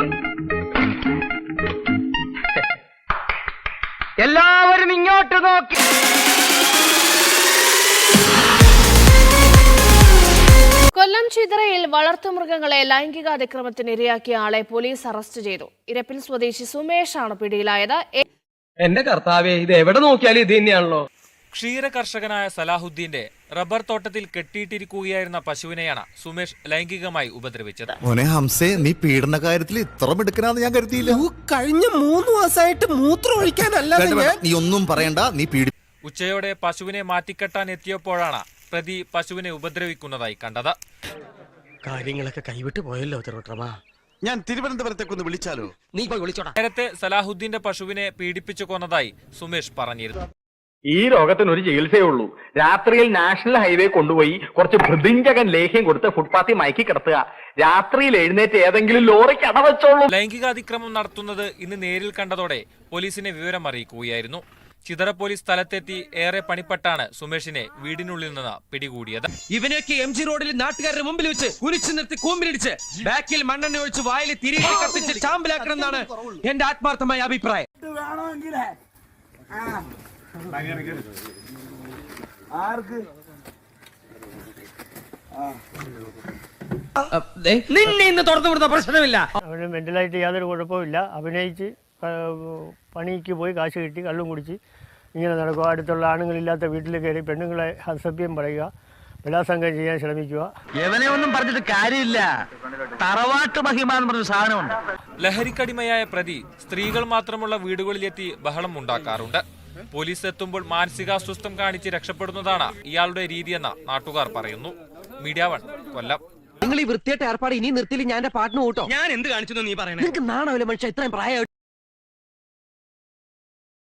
എല്ലാവരും ഇങ്ങോട്ട് നോക്കി. കൊല്ലം ചിതറയിൽ വളർത്തുമൃഗങ്ങളെ ലൈംഗിക അതിക്രമത്തിന് ഇരയാക്കിയ ആളെ പോലീസ് അറസ്റ്റ് ചെയ്തു. ഇരപ്പിൽ സ്വദേശി സുമേഷാണ് പിടിയിലായത്. എന്റെ കർത്താവേ, ഇത് എവിടെ നോക്കിയാലും ഇത് തന്നെയാണല്ലോ. ക്ഷീര കർഷകനായ സലാഹുദ്ദീന്റെ റബ്ബർ തോട്ടത്തിൽ കെട്ടിയിട്ടിരിക്കുകയായിരുന്ന പശുവിനെയാണ് സുമേഷ് ലൈംഗികമായി ഉപദ്രവിച്ചത്. മോനെ ഹംസേ, നീ പീഡന കാര്യത്തിൽ ഇത്ര മിടുക്കനാന്ന് ഞാൻ കരുതിയില്ല. കഴിഞ്ഞ 3 മാസമായിട്ട് മൂത്രം ഒഴിക്കാനല്ലാതെ നീ ഒന്നും പറയണ്ട, നീ ഉച്ചയോടെ പശുവിനെ മാറ്റിക്കെട്ടാൻ എത്തിയപ്പോഴാണ് പ്രതി പശുവിനെ ഉപദ്രവിക്കുന്നതായി കണ്ടത്. കാര്യങ്ങളൊക്കെ കൈവിട്ട് പോയല്ലോ തിരുവട്ടമാ. ഞാൻ തിരുവനന്തപുരത്തേക്കൊന്ന് വിളിച്ചാലോ? നീ പോയി വിളിച്ചോടാ. നേരത്തെ സലാഹുദ്ദീന്റെ പശുവിനെ പീഡിപ്പിച്ചു കൊന്നതായി സുമേഷ് പറഞ്ഞിരുന്നു. ഈ രോഗത്തിന് ഒരു ചികിത്സയേ ഉള്ളൂ. രാത്രിയിൽ നാഷണൽ ഹൈവേ കൊണ്ടുപോയി കുറച്ച് ഭൃതിഞ്ചകൻ ലേഹ്യം കൊടുത്ത് ഫുട്പാത്തിൽ മയക്കി കിടത്തുക. രാത്രിയിൽ എഴുന്നേറ്റ് ഏതെങ്കിലും ലോറിക്ക് അടവച്ചോളൂ. ലൈംഗികാതിക്രമം നടത്തുന്നത് ഇന്ന് നേരിൽ കണ്ടതോടെ പോലീസിനെ വിവരം അറിയിക്കുകയായിരുന്നു. ചിതറ പോലീസ് സ്ഥലത്തെത്തി ഏറെ പണിപ്പെട്ടാണ് സുമേഷിനെ വീടിനുള്ളിൽ നിന്ന് പിടികൂടിയത്. ഇവനൊക്കെ MG റോഡിൽ നാട്ടുകാരുടെ മുമ്പിൽ വെച്ച് കുരിച്ചു നിർത്തി കൂമ്പിലിടിച്ച് ബാക്കിൽ മണ്ണെണ്ണ ഒഴിച്ച് വായിൽ തിരികെ കത്തിച്ച് ചാമ്പലാക്കണം എന്നാണ് എന്റെ ആത്മാർത്ഥമായ അഭിപ്രായം. നിന്നെ ഇന്ന് തുറന്നു വിടുന്ന പ്രശ്നമില്ല. അവന് മെന്റലായിട്ട് യാതൊരു കുഴപ്പമില്ല. അഭിനയിച്ച് പണിക്ക് പോയി കാശ് കിട്ടി കള്ളും കുടിച്ച് ഇങ്ങനെ നടക്കുക. അടുത്തുള്ള ആണുങ്ങളില്ലാത്ത വീട്ടിൽ കയറി പെണ്ണുങ്ങളെ അസഭ്യം പറയുക, ബലാത്സംഗം ചെയ്യാൻ ശ്രമിക്കുക. എവനെ ഒന്നും പറഞ്ഞിട്ട് കാര്യമില്ല. തറവാട്ട് മഹിമ എന്ന് പറഞ്ഞ സാധനമുണ്ട്. ലഹരിക്കടിമയായ പ്രതി സ്ത്രീകൾ മാത്രമുള്ള വീടുകളിലെത്തി ബഹളം ഉണ്ടാക്കാറുണ്ട്. പോലീസ് എത്തുമ്പോൾ മാനസികാസ്വസ്ഥം കാണിച്ച് രക്ഷപ്പെടുന്നതാണ് ഇയാളുടെ രീതിയെന്ന് നാട്ടുകാർ പറയുന്നു. മീഡിയ 1 കൊല്ലം. നിങ്ങൾ ഈ വൃത്തിയായിട്ട് ഏർപ്പാട് ഇനി നിർത്തിയില്ല ഞാൻ എന്റെ പാട്ടിന് കൂട്ടോ. ഞാൻ എന്ത് കാണിച്ചു നീ പറയുന്നത്? നിങ്ങൾക്ക് നാണമില്ല മനുഷ്യ, ഇത്രയും പ്രായം